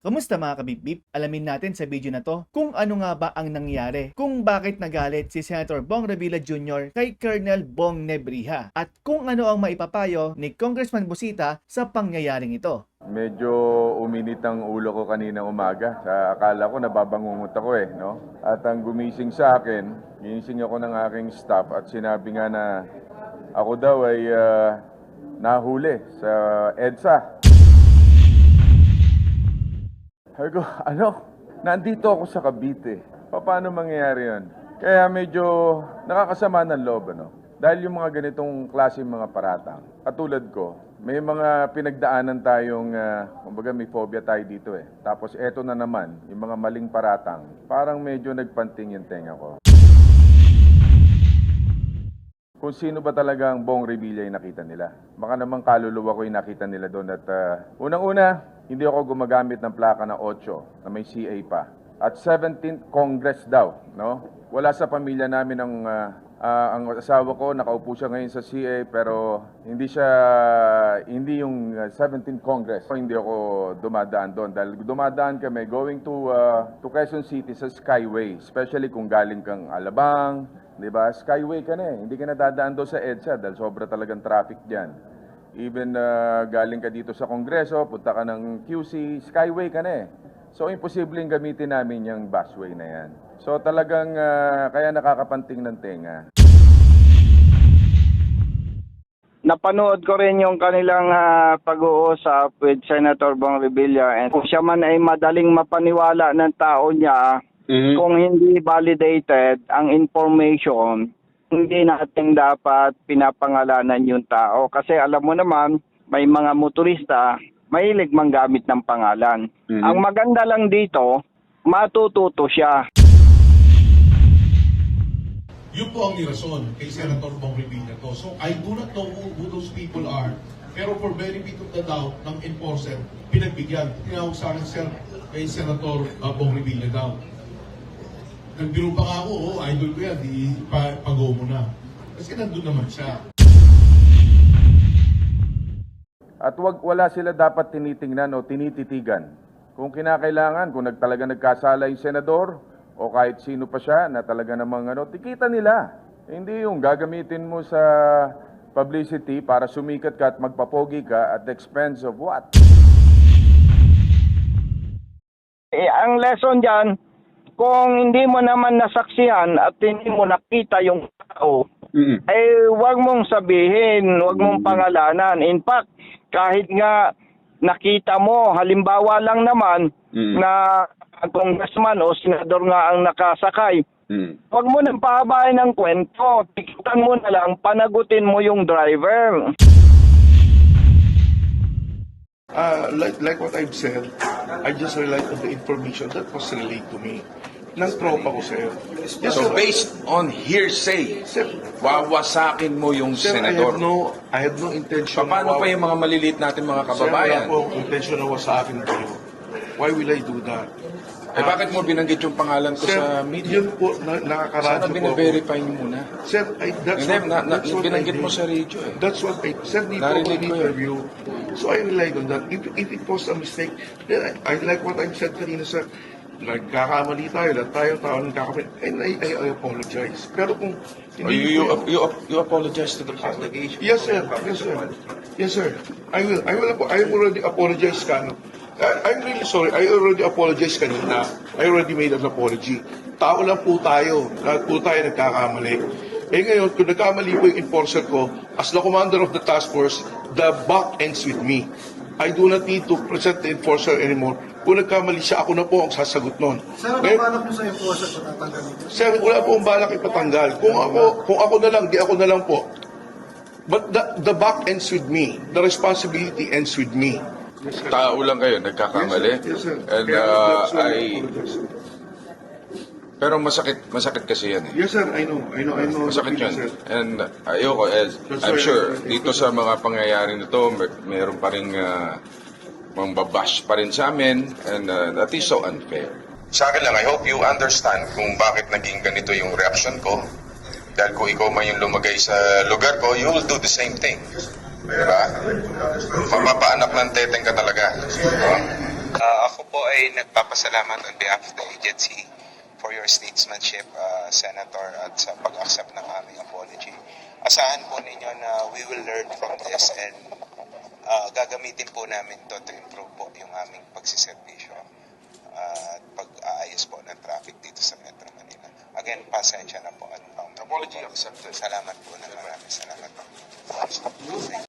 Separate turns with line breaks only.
Kamusta mga kabibib? Alamin natin sa video na to kung ano nga ba ang nangyari, kung bakit nagalit si Senator Bong Revilla Jr. kay Colonel Bong Nebriha, at kung ano ang maipapayo ni Congressman Busita sa pangyayaring ito.
Medyo uminit ang ulo ko kanina umaga. Akala ko nababangungot ako no? At ang gumising sa akin, ginising ako ng aking staff at sinabi nga na ako daw ay nahuli sa EDSA. Sabi ko, nandito ako sa Cavite. Paano mangyayari yun? Kaya medyo nakakasama ng loob, Dahil yung mga ganitong klase mga paratang, katulad ko, may mga pinagdaanan tayong, kumbaga may phobia tayo dito Tapos eto na naman, yung mga maling paratang, parang medyo nagpanting yung tenga ko. Kung sino ba talaga ang Bong Revilla yung nakita nila. Baka naman kaluluwa ko yung nakita nila doon. At unang-una, hindi ako gumagamit ng plaka na 8 na may CA pa. At 17th Congress daw, Wala sa pamilya namin ang asawa ko, nakaupo siya ngayon sa CA, pero hindi yung 17th Congress. Hindi ako dumadaan doon dahil dumadaan kami going to Quezon City sa Skyway, especially kung galing kang Alabang, di ba? Skyway ka na hindi ka na dadaan doon sa EDSA dahil sobra talagang traffic diyan. Even galing ka dito sa Kongreso, punta ka ng QC, Skyway ka na So, imposibleng gamitin namin yung busway na yan. So, talagang kaya nakakapanting ng tenga.
Napanood ko rin yung kanilang pag-uusap with Senator Bong Revilla, and kung siya man ay madaling mapaniwala ng tao niya, kung hindi validated ang information, hindi natin dapat pinapangalanan yung tao. Kasi alam mo naman, may mga motorista, mahilig manggamit ng pangalan. Ang maganda lang dito, matututo siya.
Yun po ang nirason kay Senator Bong Revilla to. So I do not know who those people are. Pero for benefit of the doubt ng enforcer, pinagbigyan. Tinawag sa akin kay Senator Bong Revilla daw. Nagbiro pa nga ako, idol ko yan, pag-go mo na. Kasi nandun naman siya.
At wala sila dapat tinitingnan o tinititigan. Kung kinakailangan, kung talaga nagkasala yung senador, o kahit sino pa siya na talaga namang tikita nila. Hindi yung gagamitin mo sa publicity para sumikat ka at magpapogi ka at the expense of what?
Ang lesson dyan, kung hindi mo naman nasaksihan at hindi mo nakita yung tao, wag mong sabihin, wag mong pangalanan. In fact, kahit nga nakita mo, halimbawa lang naman na congressman o senador nga ang nakasakay, wag mo nang pahabain ng kwento. Tikitan mo na lang, panagutin mo yung driver.
Like what I've said, I just relied on the information that was relayed to me. Ng tropa ko, sir. Yes,
So
sir.
based on hearsay,
Sir,
wawasakin mo yung
sir,
senador.
I have no intention.
Paano pa yung mga maliliit natin mga kababayan?
Sir, wala po akong intention na wasakin kayo. Why will I do that?
Bakit mo binanggit yung pangalan ko
Sir,
sa media?
yun po, nakakaradyo
Sana
po
bine-verify niyo muna.
Sir, that's
Hindi,
what I
binanggit mo
did.
sa radio
That's what I said dito
Narinig
in
ko yun.
interview. So I relied on that. If it was a mistake, then I like what I've said kanina, sir. Nagkakamali tayo, lahat tayo tao nagkakamali. And I apologize. Pero kung hindi
You apologize to the public.
Yes, sir. Yes, sir. Yes, sir. I will. I already apologized ka. I'm really sorry. I already apologized kanina. I already made an apology. Tao lang po tayo. Lahat po tayo nagkakamali. Ngayon, kung nagkamali po yung enforcer ko, as the commander of the task force, the buck ends with me. I do not need to present the enforcer anymore. Kung nagkamali siya, ako na po ang sasagot nun.
Sir, ang balak mo sa enforcer kung tatanggal nito?
Sir, wala po ang balak ipatanggal. Kung ako na lang, di ako na lang po. But the buck ends with me. The responsibility ends with me.
Tao lang kayo, nagkakamali.
Yes, sir.
And
That's why I apologize.
pero masakit kasi yan
Yes, sir. I know.
Masakit yun.
Sir.
And ayoko, I'm sure, dito sa mga pangyayari nito, mayroon pa rin mambabash pa rin sa amin, and that is so unfair. Sa akin lang, I hope you understand kung bakit naging ganito yung reaction ko. Dahil kung ikaw man yung lumagay sa lugar ko, you will do the same thing. Diba? Mapapaanak ng teteng ka talaga. Diba?
Ako po ay nagpapasalamat on behalf of the agency for your statesmanship, Senator, at sa pag-accept ng aming apology. Asahan po ninyo na we will learn from this and gagamitin po namin to improve po yung aming pagsiservisyo at pag-aayos po ng traffic dito sa Metro Manila. Again, pasensya na po. Apology accepted. Salamat po na marami. Salamat po.